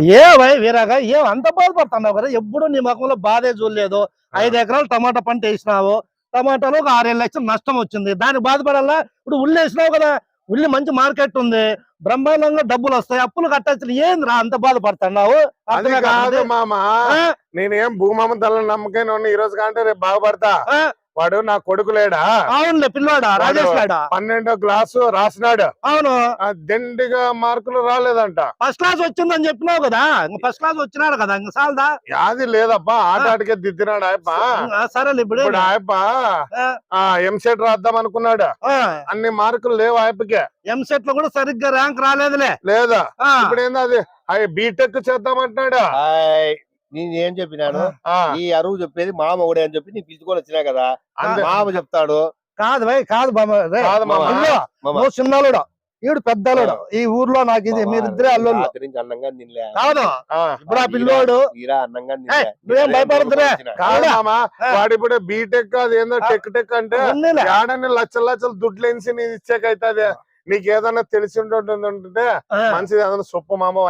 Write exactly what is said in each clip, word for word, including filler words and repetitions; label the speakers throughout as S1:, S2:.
S1: ఏ why వీరాగా ఏం అంత బాధపడుతున్నావు కదా? ఎప్పుడు నీ ముఖంలో బాధే చూడలేదు. ఐదు ఎకరాలు టమాటా పంట వేసినావు, టమాటాలో ఒక ఆరేడు లక్షలు నష్టం వచ్చింది. దానికి బాధపడాలా? ఇప్పుడు ఉల్లి వేసినావు కదా, ఉల్లి మంచి మార్కెట్ ఉంది, బ్రహ్మాండంగా డబ్బులు వస్తాయి, అప్పులు కట్టచ్చు. ఏంద్రా అంత బాధపడుతున్నావు?
S2: అది కాదు మామ, నేనేం భూమామ తల నమ్మకం ఈ రోజు కంటే రేపు బాగుపడతా. వాడు నా కొడుకు లేడా?
S1: అవునులే, పిల్లోడా రాజేష్ గాడా
S2: పన్నెండో క్లాసు రాసినాడు.
S1: అవును,
S2: దండిగా మార్కులు రాలేదంట.
S1: ఫస్ట్ క్లాస్ వచ్చిందని చెప్పినావు కదా, ఫస్ట్ క్లాస్ వచ్చినాడు కదా, ఇంకా సాలదా?
S2: యాది లేదప్పా, ఆట ఆటకే దిద్దినాడు ఆయప్ప.
S1: సరే ఇప్పుడు
S2: ఆయప్ప ఎంసెట్ రాద్దాం అనుకున్నాడు, అన్ని మార్కులు లేవు ఆయప్పకే.
S1: ఎంసెట్ లో కూడా సరిగ్గా ర్యాంక్ రాలేదులే.
S2: లేదా ఇప్పుడు ఏంది అది బీటెక్ చేద్దామంటున్నాడు.
S3: నేను ఏం చెప్పినాను, ఈ అరువు చెప్పేది మామ ఒకడే అని చెప్పి నీ పిలుచుకొని వచ్చినా కదా, మామ చెప్తాడు.
S1: కాదు భయ్, కాదు బాబా, చిన్నలుడు ఈడు పెద్దలుడు ఈ ఊర్లో. నాకు ఇది మీరిద్దరే అల్లుళ్ళు.
S3: అన్నంగా తినలే
S1: కాదు ఇప్పుడు ఆ పిల్లోడు
S3: అన్నంగా
S1: నువ్వేం భయపడుతురే.
S2: కాదు మామ, వాడు ఇప్పుడు బీటెక్ అది ఏందో టెక్ టెక్ అంటే ఏడాన్ని లక్షల లక్షలు దుడ్లు వేసి నేను ఇచ్చాకైతుంది. నీకు ఏదన్నా తెలిసి ఉంటుంటే మంచిది, ఏదన్నా సొప్పు మామ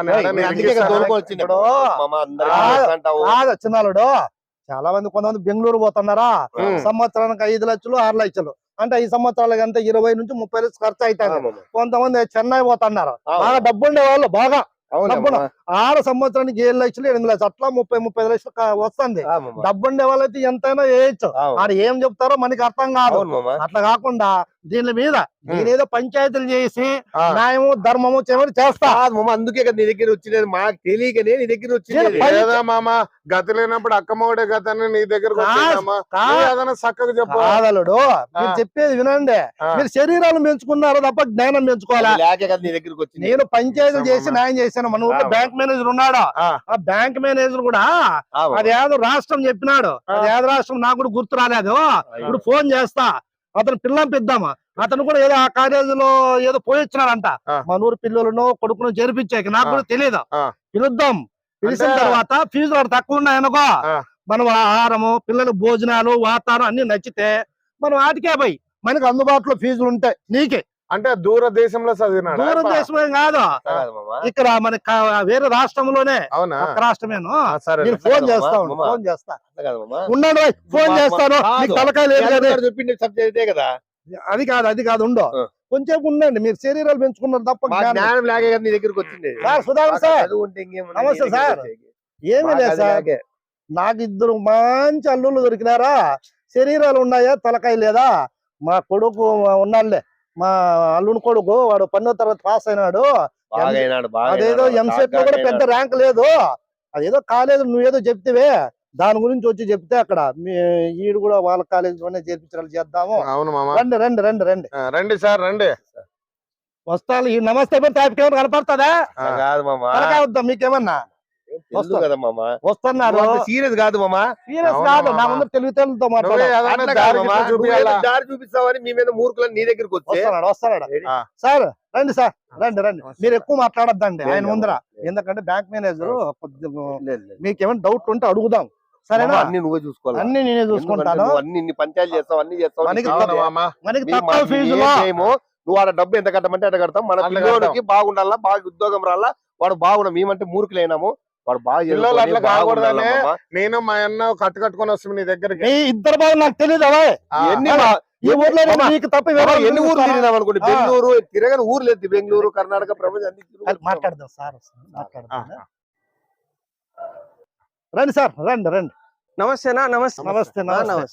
S1: చిన్నాలుడు. చాలా మంది కొంతమంది బెంగళూరు పోతున్నారా, సంవత్సరానికి ఐదు లక్షలు ఆరు లక్షలు అంటే ఐదు సంవత్సరాలకి అంతా ఇరవై నుంచి ముప్పై లక్షలు ఖర్చు అవుతాయి. కొంతమంది చెన్నై పోతున్నారు, బాగా డబ్బుండే వాళ్ళు, బాగా డబ్బును ఆరు సంవత్సరానికి ఏడు లక్షలు ఎనిమిది లక్షలు అట్లా ముప్పై ముప్పై లక్షలు వస్తుంది. డబ్బుండే వాళ్ళైతే ఎంతైనా వేయచ్చు. ఆడు ఏం చెప్తారో మనకి అర్థం కాదు. అట్లా కాకుండా దీని మీద నేనేదో పంచాయతీలు చేసి న్యాయము ధర్మము చివరి చేస్తా.
S3: అందుకే కదా నీ దగ్గర వచ్చినది, మాకు తెలియకనే నీ దగ్గర వచ్చింది.
S2: మామ గతి లేనప్పుడు అక్కమ్మడే గతని నీ దగ్గర చక్కగా
S1: చెప్పాలడు. మీరు చెప్పేది వినండి, మీరు శరీరాలు పెంచుకున్నారు తప్ప జ్ఞానం పెంచుకోవాలా?
S3: నీ దగ్గరకు వచ్చి
S1: నేను పంచాయతీలు చేసి న్యాయం చేశాను. మన ఊళ్ళో బ్యాంక్ మేనేజర్ ఉన్నాడు, ఆ బ్యాంక్ మేనేజర్ కూడా అది ఏదో రాష్ట్రం చెప్పినాడు, అది ఏదో రాష్ట్రం నాకు కూడా గుర్తు రాలేదు. ఇప్పుడు ఫోన్ చేస్తా, అతను పిల్లం పిద్దామా, అతను కూడా ఏదో ఆ కాలేజీలో ఏదో పోయిచ్చినాడంట. మన ఊరు పిల్లలను కొడుకును చేర్పించాక నాకు కూడా తెలియదు. పిలుద్దాం, పిలిచిన తర్వాత ఫీజులు వాడు తక్కువ ఉన్నాయనుకో, మనం ఆహారము పిల్లల భోజనాలు వాతావరణం అన్ని నచ్చితే మనం వాటికే పోయి మనకి అందుబాటులో ఫీజులు ఉంటాయి. నీకే
S2: అంటే దూర దేశంలో చదివినా?
S1: దూర దేశమే కాదు, ఇక్కడ మన వేరే రాష్ట్రంలోనే. ఒక రాష్ట్రమేను. నేను ఫోన్ చేస్తాను, ఫోన్ చేస్తా ఉన్నాడు, ఫోన్ చేస్తాను.
S3: చెప్పింది కదా,
S1: అది కాదు అది కాదు ఉండో కొంచెం ఉండండి. మీరు శరీరాలు పెంచుకున్నారు తప్ప
S3: జ్ఞానం లాగే నీ దగ్గరకు వచ్చింది.
S1: సార్ సుధాకర్ సార్, నమస్తే సార్. ఏమీ లేదు సార్, నాకు ఇద్దరు మంచి అల్లుళ్ళు దొరికినారా, శరీరాలు ఉన్నాయా తలకాయ లేదా. మా కొడుకు ఉన్నాడులే, మా అల్లుని కొడుకు, వాడు పన్నో తరగతి పాస్ అయినాడు. అదేదో ఎంసెట్ లో కూడా పెద్ద ర్యాంక్ లేదు, అదేదో కాలేజ్ నువ్వేదో చెప్తివే దాని గురించి వచ్చి చెప్తే అక్కడ మీ ఈడు కూడా వాళ్ళ కాలేజీలోనే చేర్పించాలి చేద్దాము. రండి రండి రండి రండి
S2: రండి సార్ రండి.
S1: వస్తాను. ఈ నమస్తే తాపికేమన్నా కనపడుతుందా? వద్దాం మీకేమన్నా వస్తున్నారు.
S3: సీరియస్ కాదు మామా,
S1: సీరియస్ కాదు. నా ముందు తెలివితేలతో
S3: దారి చూపిస్తావని మీ మీద మూర్ఖులని నీ దగ్గరకు
S1: వస్తున్నాడు వస్తున్నాడు సార్. రండి సార్ రండి రండి. మీరు ఎక్కువ మాట్లాడద్దండి ఆయన ముందర, ఎందుకంటే బ్యాంక్ మేనేజర్ మీకేమైనా డౌట్ ఉంటే అడుగుదాం. సరేనా?
S3: అన్ని నువ్వే చూసుకోవాలి,
S1: అన్ని నేనే చూసుకుంటాను.
S3: అన్ని పంచాయతీ చేస్తావు, అన్ని చేస్తావు.
S1: మనకి తక్కువ ఫీజులో
S3: నువ్వు వాడు డబ్బు ఎంత కట్టమంటే ఎంత కడతాం. మన పిల్లోడికి బాగుండాలా, బాగా ఉద్యోగం రాలా, వాడు బాగుండా. మేమంటే మూర్ఖులైనాము, వాడు బాగా
S2: అట్లా కాకూడదని నేను మా అన్న కట్టు కట్టుకొని వస్తాను నీ దగ్గరికి.
S1: ఇద్దరు బాబు నాకు తెలియదు ఎన్ని ఈ ఊర్లో నీకు తప్ప
S3: ఎన్ని ఊర్లు తిరిగినాం అనుకోండి. బెంగళూరు తిరగని ఊరు లేదు, బెంగళూరు కర్ణాటక ప్రపంచం
S1: మాట్లాడదాం సార్. మాట్లాడదాం రండి సార్ రండి రండి.
S4: నమస్తేనా? నమస్తే
S1: నమస్తే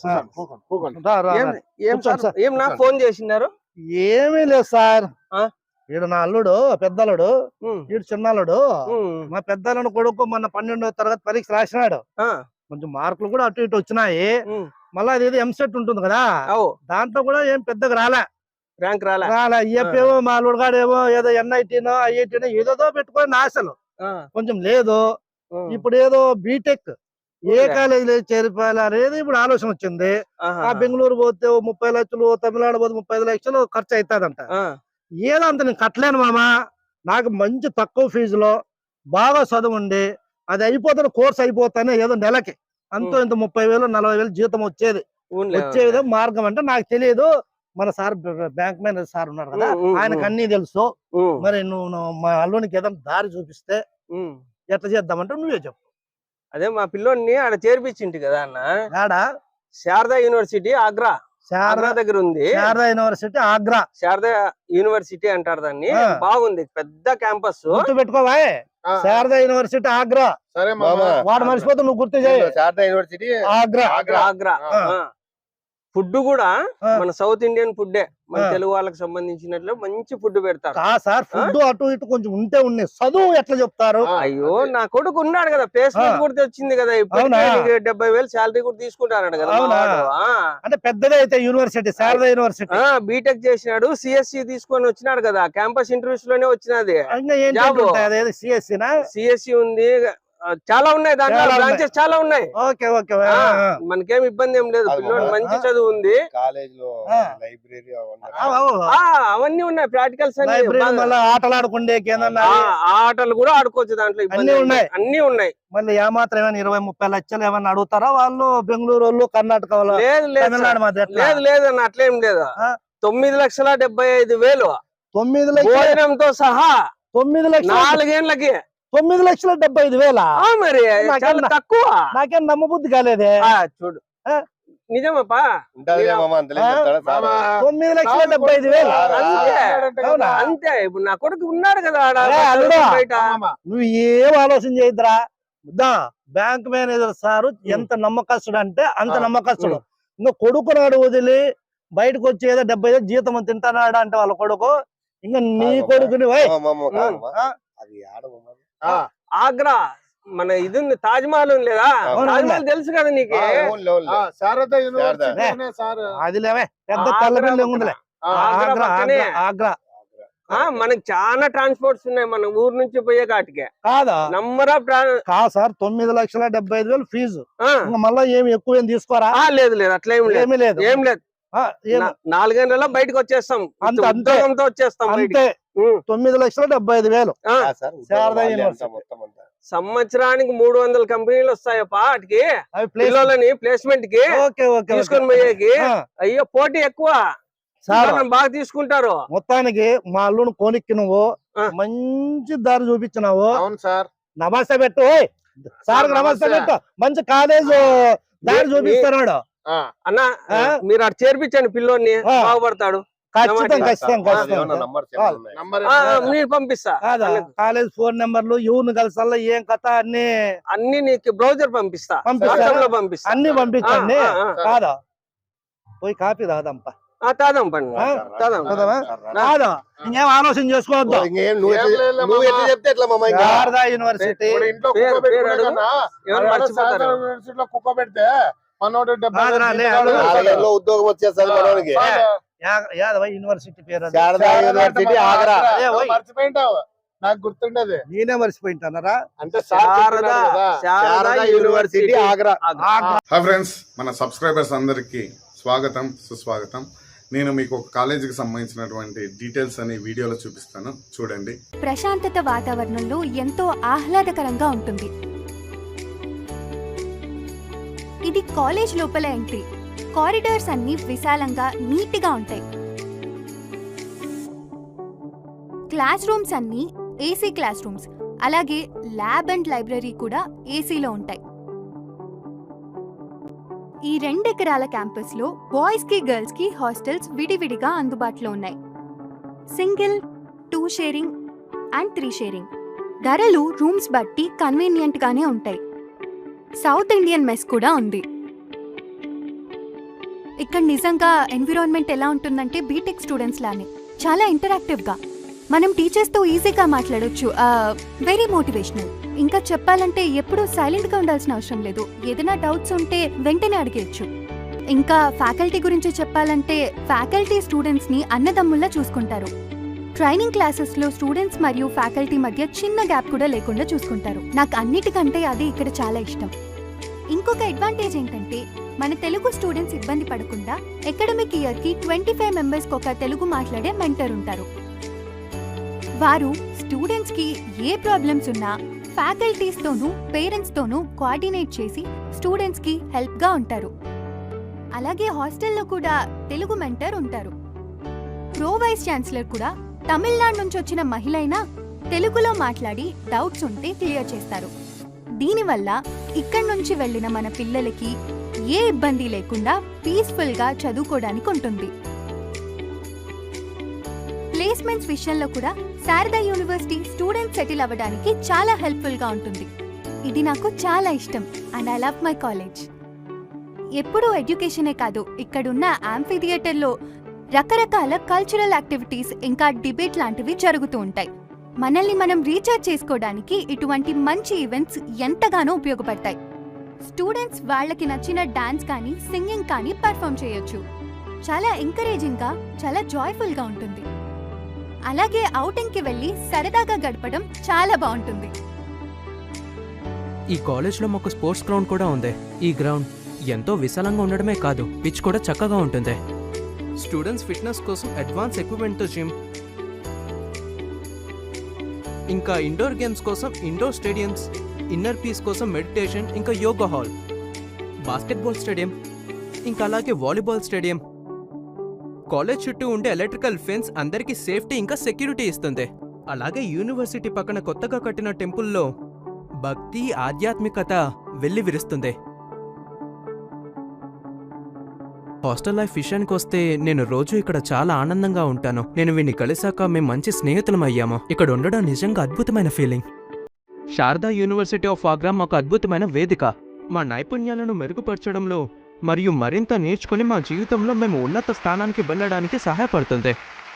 S4: ఏం నా ఫోన్ చేసినారు?
S1: ఏమీ లేదు సార్, వీడు నా అల్లుడు పెద్దలుడు, వీడు చిన్నలుడు. మా పెద్దలను కొడుకు మొన్న పన్నెండవ తరగతి పరీక్ష రాసినాడు, కొంచెం మార్కులు కూడా అటు ఇటు వచ్చినాయి. మళ్ళీ అది ఏదో ఎంసెట్ ఉంటుంది కదా, దాంట్లో కూడా ఏం పెద్దగా రాలే,
S4: ర్యాంక్ రాలే
S1: రాలే. ఏపేమో మా అల్లుడు గాడు ఏమో ఏదో ఎన్ఐటీనో ఐఐటీనో ఏదో పెట్టుకొని ఆశలు కొంచెం లేదు. ఇప్పుడు ఏదో బీటెక్ ఏ కాలేజీలో చేరిపోయాలి అనేది ఇప్పుడు ఆలోచన వచ్చింది. ఆ బెంగళూరు పోతే ముప్పై లక్షలు, తమిళనాడు పోతే ముప్పై ఐదు లక్షలు ఖర్చు అవుతాదంట. ఏదో అంత నేను కట్టలేను మామ, నాకు మంచి తక్కువ ఫీజులో బాగా చదువుండి అది అయిపోతాను, కోర్స్ అయిపోతానే ఏదో నెలకి అంతో ఇంత ముప్పై వేలు నలభై వేలు జీతం వచ్చేది వచ్చే విధంగా మార్గం అంటే నాకు తెలియదు. మన సార్ బ్యాంక్ మేనేజర్ సార్ ఉన్నారు కదా, ఆయనకు అన్ని తెలుసు. మరి నువ్వు మా అల్లునికి ఏదైనా దారి చూపిస్తే ఎట్లా చేద్దామంటే నువ్వే చెప్పు.
S4: అదే మా పిల్లోడిని ఆడ చేర్పించింటి కదా అన్న,
S1: ఆడా
S4: శారదా యూనివర్సిటీ ఆగ్రా,
S1: శారదా
S4: ఆగ్రా దగ్గర ఉంది.
S1: శారదా యూనివర్సిటీ ఆగ్రా,
S4: శారదా యూనివర్సిటీ అంటారు దాన్ని.
S1: ఆ.
S4: బాగుంది, పెద్ద క్యాంపస్.
S1: గుర్తు పెట్టుకోవా,
S2: ఆ,
S1: శారదా యూనివర్సిటీ ఆగ్రా.
S2: సరే
S3: మామ.
S2: మామ.
S1: వాడు మర్చిపోతే నువ్వు గుర్తు చేయి.
S3: శారదా యూనివర్సిటీ
S1: ఆగ్రా.
S4: ఆగ్రా ఆగ్రా
S1: ఆ.
S4: ఫుడ్ కూడా
S1: ఆ.
S4: మన సౌత్ ఇండియన్ ఫుడ్డే, మన
S1: ఆ.
S4: తెలుగు వాళ్ళకి సంబంధించినట్లు మంచి ఫుడ్ పెడతారు.
S1: కా సార్ ఫుడ్ అటు ఇటు కొంచెం ఉంటే ఉన్నాయి, చదువు ఎట్లా చెప్తారు?
S2: ఆ,
S4: అయ్యో నా కొడుకు ఉన్నాడు కదా, ప్లేస్మెంట్
S1: ఆ.
S4: కూడా తెచ్చింది కదా,
S1: అవునా?
S4: ఇప్పటికే డెబ్బై వేలు శాలరీ కూడా తీసుకుంటాడు కదా మా
S1: అవునా?
S4: వాడు. ఆ.
S1: అంటే పెద్దదే అయితే యూనివర్సిటీ, శారదా యూనివర్సిటీ.
S4: ఆ బీటెక్ చేసినాడు, సిఎస్సి తీసుకొని వచ్చినాడు కదా, క్యాంపస్ ఇంటర్వ్యూస్ లోనే వచ్చినది.
S1: ఇంకా ఏంటి
S4: జాబు.
S1: ఉంటాయి, అదేది సిఎస్సినా?
S4: సిఎస్సి ఉంది, ఆ, చాలా ఉన్నాయి దాంట్లో,
S1: చాలా
S4: బ్రాంచెస్ చాలా ఉన్నాయి.
S1: Okay okay.
S4: ఆ, మనకేం ఇబ్బంది ఏం లేదు,
S3: అది
S4: పిల్లోడు
S3: బాగా.
S4: మంచి చదువు ఉంది.
S3: కాలేజ్ లో
S1: ఆ.
S3: లైబ్రరీ
S4: ఆ అవన్నీ ఉన్నాయి, ప్రాక్టికల్స్ అన్ని
S1: లైబ్రరీ
S4: బాగా.
S1: మళ్ళీ ఆటలాడుకుండే కేందన్నా
S4: ఆ, ఆ ఆటలు కూడా ఆడుకోవచ్చు దాంట్లో, ఇబ్బంది
S1: అన్నీ
S4: ఏం లేదు.
S1: ఉన్నాయి.
S4: అన్ని ఉన్నాయి.
S1: మళ్ళీ ఏమాత్రం ఏమైనా ఇరవై ముప్పై లక్షలు ఏమైనా అడుగుతారా వాళ్ళు? బెంగళూరు వాళ్ళు, కర్ణాటక వాళ్ళు,
S4: లేదు లేదు
S1: తమిళనాడు
S4: సార్.
S1: మధ్య ఎట్లా?
S4: లేదు లేదు అన్న, అట్లేం లేదు.
S1: ఆ.
S4: తొమ్మిది లక్షల డెబ్బై ఐదు వేలు
S1: తొమ్మిది లక్షల
S4: భోజనంతో సహా
S1: తొమ్మిది లక్షల
S4: నాలుగేళ్లకి.
S1: తొమ్మిది లక్షల డెబ్బై ఐదు వేల
S4: ఆ మరి
S1: నాకేం
S4: చాలా
S1: నా-
S4: తక్కువ.
S1: నాకేం నమ్మబుద్ధి కాలేదే.
S4: ఆ చూడు,
S1: ఆ.
S4: నిజమప్పా.
S3: ఉంటది మామ, అంతలే
S1: ఆ.
S3: చెప్తాడా సార్?
S2: మామ.
S1: తొమ్మిది లక్షల డెబ్బై ఐదు వేలు.
S3: ఆ.
S4: అంతే
S1: అవునా?
S4: అంతే. ఇప్పుడు నా కొడుకు ఉన్నాడు కదా ఆడ
S1: అరే, అల్లుడు.
S4: బయట.
S2: మామ.
S1: నువ్వు ఏం ఆలోచన చేయద్దురా. దా బ్యాంక్ మేనేజర్ సారు ఎంత నమ్మకస్తుడు అంటే అంత
S2: ఆ.
S1: నమ్మకస్తుడు. ఇంకా కొడుకు నాడు వదిలి బయటకు వచ్చి ఏదో డెబ్బై ఐదు జీతం తింటానాడు అంటే వాళ్ళ కొడుకు, ఇంకా నీ
S3: కాదు
S1: కొడుకుని వై
S3: మామ, మామ, కాదు మామ.
S1: ఆ.
S3: అది ఆడ మామ.
S2: ఆ,
S4: ఆగ్రా మన ఇది ఉంది, తాజ్ మహల్ ఉంది లేదా?
S1: అవును,
S4: తాజ్ మహల్ తెలుసు కదా నీకు.
S3: ఆ, ఓన్లీ, ఓన్లీ.
S2: ఆ, శారదా యూనివర్సిటీ
S1: శారదా.
S2: సార్.
S1: అది లేవే పెద్ద
S4: ఆగ్రా
S1: తెల్లపిల్లి
S4: పక్కన.
S1: ఉందిలే.
S2: ఆ,
S4: ఆగ్రా
S1: ఆగ్రా
S4: పక్కనే.
S1: ఆగ్రా ఆగ్రా
S4: ఆ మనకి చాలా ట్రాన్స్పోర్ట్స్ ఉన్నాయి మన ఊరు నుంచి పోయే కాటికే.
S1: కాదా?
S4: నంబర్ ఆఫ్ ట్రాన్-
S1: కా సార్ తొమ్మిది లక్షల డెబ్బై ఐదు వేలు ఫీజు.
S4: ఆ.
S1: ఇంకా మళ్ళా ఏమి ఎక్కువ ఏం తీసుకోరా?
S4: ఆ, లేదు లేదు అట్లా ఏం లేదు,
S1: ఏమీ లేదు.
S4: ఏం లేదు.
S1: ఆ, ఏం-
S4: నా- నాలుగేళ్లలో బయటకు వచ్చేస్తాం,
S1: అంతే, అంతే.
S4: ఉద్యోగంతో వచ్చేస్తాం బయటికి.
S1: అంతే
S4: ఉం.
S1: తొమ్మిది లక్షల డెబ్బై ఐదు వేలు.
S4: ఆ,
S3: ఆ సార్, ఉద్యోగం
S1: శారదా
S3: వాళ్ళే
S1: యూనివర్సిటీ.
S3: అంతా మొత్తం అంతా.
S4: సంవత్సరానికి మూడు వందల కంపెనీలు వస్తాయప్పా వాటికి,
S1: అవి ప్లేస్
S4: పిల్లలని ప్లేస్మెంట్ కి
S1: ఓకే ఓకే
S4: తీసుకొని
S1: ఓకే.
S4: పోయేకి.
S1: ఆ,
S4: అయ్యో పోటీ ఎక్కువ,
S1: సార్
S4: పిల్లలను బాగా తీసుకుంటారు.
S1: మొత్తానికి మా అల్లుని కోనిక్కి నువ్వు
S4: ఆ.
S1: మంచి దారి చూపించినావు.
S2: అవును సార్.
S1: నమస్తే పెట్టు. ఓయ్, సార్
S2: నమస్తే.
S1: నమస్తే పెట్టు. మంచి కాలేజ్ దారి
S4: మీ-
S1: చూపిస్తున్నాడు.
S2: ఆ,
S4: అన్న
S1: ఆ?
S4: మీరు అటు చేర్పించండి పిల్లోని,
S1: ఆ.
S4: బాగుపడతాడు.
S1: ఖచ్చితంగా
S4: నమస్తే.
S1: ఖచ్చితంగా
S3: అది
S1: ఖచ్చితంగా.
S3: ఏమన్నా నంబర్ చెప్పాలి ఉన్నాయి.
S2: నంబర్
S4: ఆ, ఆ, మీరు పంపిస్తా.
S1: కాదా
S4: అన్నకు.
S1: కాలేజ్ ఫోన్ నెంబర్లు ఎవరిని కలిసల్లా ఏం కథ అన్ని
S4: అన్ని నీకు బ్రౌజర్ పంపిస్తా,
S1: పంపిస్తారా?
S4: వాట్సాప్ లో పంపిస్తా.
S1: అన్ని పంపించండి.
S4: ఆ, ఆ, ఆ.
S1: కాదా పోయి కాపీ తాదంపా.
S4: ఆ, తాదాం పండి,
S1: ఆ?
S4: తాదాం.
S1: చదవా?
S3: సార్, రా.
S1: కాదా ఇంకేం ఆలోచన చేసుకోవద్దు.
S3: ఇంకేం నువ్వు
S2: ఏం
S3: ఎట్లా-
S2: లేదు
S3: నువ్వు
S2: మామ.
S3: ఎట్లా చెప్తే ఎట్లా మామ ఇంకా?
S1: శారదా యూనివర్సిటీ
S2: ఇప్పుడు ఇంట్లో
S4: పేరు-
S2: కుక్క పెట్టుకునే
S4: పేరు అడుగు.
S2: కన్నా
S4: ఎవరు
S2: ఆడ
S4: మర్చిపోతారు.
S2: శారదా యూనివర్సిటీలో కుక్క పెడితే మనోడు డెబ్బై
S1: కాదురా,
S2: వేలు
S1: లే,
S2: జీతాలు
S1: అడుగు.
S2: వస్తాడు.
S3: నాలుగేళ్ళలో ఉద్యోగం వచ్చేస్తుంది మనోనికి.
S2: ఆ, సార్,
S1: యా- యాదవ యూనివర్సిటీ పేరు అది.
S3: శారదా
S2: శారదా
S3: యూనివర్సిటీ
S2: అంటే
S3: ఆగ్రా.
S2: మామ
S1: అదే,
S2: నువ్వు
S1: ఓయ్.
S2: మర్చిపోయింటావు, నాకు గుర్తుండదు.
S1: నేనే మర్చిపోయింటానరా?
S2: అంటే సార్
S4: శారదా
S2: చెప్పినాడు కదా.
S4: Sharda
S3: Sharda university Agra.
S5: Hi friends, మన సబ్స్క్రైబర్స్ అందరికీ స్వాగతం సుస్వాగతం. నేను మీకు ఒక కాలేజీకి సంబంధించినటువంటి డీటెయిల్స్ అని వీడియోలో చూపిస్తాను, చూడండి.
S6: ప్రశాంతత వాతావరణంలో ఎంతో ఆహ్లాదకరంగా ఉంటుంది. ఇది కాలేజ్ లోపల ఎంట్రీ. కారిడార్స్ అన్ని విశాలంగా నీట్గా ఉంటాయి. క్లాస్ రూమ్స్ అన్ని ఏసీ క్లాస్ రూమ్స్, అలాగే ల్యాబ్ అండ్ లైబ్రరీ కూడా ఏసీలో ఉంటాయి. ఈ రెండెకరాల క్యాంపస్ లో బాయ్స్ కి గర్ల్స్ కి హాస్టల్స్ విడివిడిగా అందుబాటులో ఉన్నాయి. Single, two sharing and three sharing. ధరలు రూమ్స్ బట్టి కన్వీనియంట్ గానే ఉంటాయి. సౌత్ ఇండియన్ మెస్ కూడా ఉంది. ఇక్కడ నిజంగా ఎన్విరాన్మెంట్ ఎలా ఉంటుందంటే బీటెక్ స్టూడెంట్స్ లానే చాలా ఇంటరాక్టివ్ గా. మనం టీచర్స్ తో ఈజీగా మాట్లాడొచ్చు. Very motivational. ఇంకా చెప్పాలంటే ఎప్పుడూ సైలెంట్ గా ఉండాల్సిన అవసరం లేదు. ఏదైనా డౌట్స్ ఉంటే వెంటనే అడిగేయచ్చు. ఇంకా ఫ్యాకల్టీ గురించి చెప్పాలంటే ఫ్యాకల్టీ స్టూడెంట్స్ ని అన్నదమ్ముల్లా చూసుకుంటారు. ట్రైనింగ్ క్లాసెస్ లో స్టూడెంట్స్ మరియు ఫ్యాకల్టీ మధ్య చిన్న గ్యాప్ కూడా లేకుండా చూసుకుంటారు. నాకు అన్నిటికంటే అది ఇక్కడ చాలా ఇష్టం. ఇంకొక అడ్వాంటేజ్ ఏంటంటే మన తెలుగు స్టూడెంట్స్ ఇబ్బంది పడకుండా అకాడమిక్ ఇయర్ కి ట్వంటీ ఫైవ్ మెంబర్స్ ఒక తెలుగు మాట్లాడే మెంటర్ ఉంటారు. వారు స్టూడెంట్స్ కి ఏ ప్రాబ్లమ్స్ ఉన్నా ఫ్యాకల్టీస్ తోనూ పేరెంట్స్ తోనూ కోఆర్డినేట్ చేసి స్టూడెంట్స్ కి హెల్ప్ గా ఉంటారు. అలాగే హాస్టల్లో కూడా తెలుగు మెంటర్ ఉంటారు. ప్రో వైస్ ఛాన్సలర్ కూడా తమిళనాడు నుంచి వచ్చిన మహిళ అయినా తెలుగులో మాట్లాడి డౌట్స్ ఉంటే క్లియర్ చేస్తారు. దీనివల్ల ఇక్కడి నుంచి వెళ్ళిన మన పిల్లలకి ఏ ఇబ్బంది లేకుండా పీస్ఫుల్ గా చదువుకోవడానికి ఉంటుంది. ప్లేస్మెంట్స్ విషయంలో కూడా శారదా యూనివర్సిటీ స్టూడెంట్ సెటిల్ అవ్వడానికి చాలా హెల్ప్ఫుల్ గా ఉంటుంది. ఇది నాకు చాలా ఇష్టం and I love my college. ఎప్పుడూ ఎడ్యుకేషనే కాదు, ఇక్కడున్న యాంఫీ థియేటర్లో రకరకాల కల్చరల్ యాక్టివిటీస్ ఇంకా డిబేట్ లాంటివి జరుగుతూ ఉంటాయి. మనల్ని మనం రీఛార్జ్ చేసుకోవడానికి ఇటువంటి మంచి ఈవెంట్స్ ఎంతగానో ఉపయోగపడతాయి. స్టూడెంట్స్ వాళ్ళకి నచ్చిన డాన్స్ కానీ సింగింగ్ కానీ పర్ఫామ్ చేయొచ్చు. చాలా ఎంకరేజింగ్ గా, చాలా జాయ్ఫుల్ గా ఉంటుంది. అలాగే ఔటింగ్ కి వెళ్ళి సరదాగా గడపడం చాలా బాగుంటుంది.
S7: ఈ కాలేజ్ లో మాకు స్పోర్ట్స్ గ్రౌండ్ కూడా ఉంది. ఈ గ్రౌండ్ ఎంతో విశాలంగా ఉండడమే కాదు, పిచ్ కూడా చక్కగా ఉంటుంది. స్టూడెంట్స్ ఫిట్నెస్ కోసం అడ్వాన్స్ ఎక్విప్మెంట్ తో జిమ్, ఇంకా ఇండోర్ గేమ్స్ కోసం ఇండోర్ స్టేడియంస్, ఇన్నర్ పీస్ కోసం మెడిటేషన్ ఇంకా యోగా హాల్, బాస్కెట్బాల్ స్టేడియం, ఇంకా అలాగే వాలీబాల్ స్టేడియం. కాలేజ్ చుట్టూ ఉండే ఎలక్ట్రికల్ ఫెన్స్ అందరికీ సేఫ్టీ ఇంకా సెక్యూరిటీ ఇస్తుంది. అలాగే యూనివర్సిటీ పక్కన కొత్తగా కట్టిన టెంపుల్లో భక్తి, ఆధ్యాత్మికత వెళ్లి విరుస్తుంది. హాస్టల్ లైఫ్ విషయానికి వస్తే నేను రోజు ఇక్కడ చాలా ఆనందంగా ఉంటాను. నేను వీడిని కలిసాక మేము మంచి స్నేహితులం అయ్యాము. ఇక్కడ ఉండడం నిజంగా అద్భుతమైన feeling. Sharda university of Agra మాకు అద్భుతమైన వేదిక. మా నైపుణ్యాలను మెరుగుపరచడంలో మరియు మరింత నేర్చుకుని మా జీవితంలో మేము ఉన్నత స్థానానికి వెళ్ళడానికి సహాయపడుతుంది.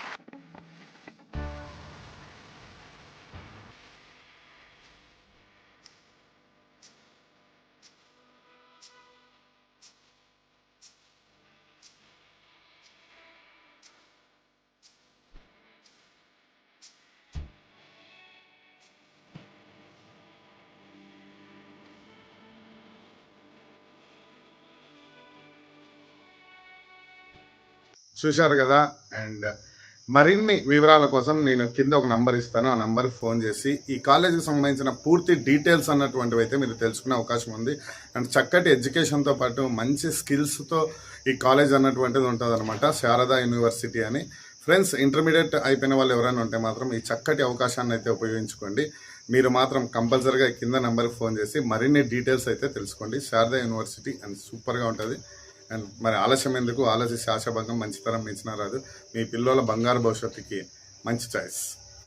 S5: చూశారు కదా. అండ్ మరిన్ని వివరాల కోసం నేను కింద ఒక నంబర్ ఇస్తాను, ఆ నంబర్కి ఫోన్ చేసి ఈ కాలేజీకి సంబంధించిన పూర్తి డీటెయిల్స్ అన్నటువంటివి అయితే మీరు తెలుసుకునే అవకాశం ఉంది. అండ్ చక్కటి ఎడ్యుకేషన్తో పాటు మంచి స్కిల్స్తో ఈ కాలేజ్ అన్నటువంటిది ఉంటుంది అనమాట, శారదా యూనివర్సిటీ అని. ఫ్రెండ్స్, ఇంటర్మీడియట్ అయిపోయిన వాళ్ళు ఎవరైనా ఉంటే మాత్రం ఈ చక్కటి అవకాశాన్ని అయితే ఉపయోగించుకోండి. మీరు మాత్రం కంపల్సరీగా కింద నెంబర్కి ఫోన్ చేసి మరిన్ని డీటెయిల్స్ అయితే తెలుసుకోండి. శారదా యూనివర్సిటీ అండ్ సూపర్గా ఉంటుంది. అండ్ మరి ఆలస్యం ఎందుకు, ఆలస్య శాసభంగం మంచితనం మించిన రాదు. మీ పిల్లల బంగారు భవిష్యత్తుకి మంచి చాయిస్.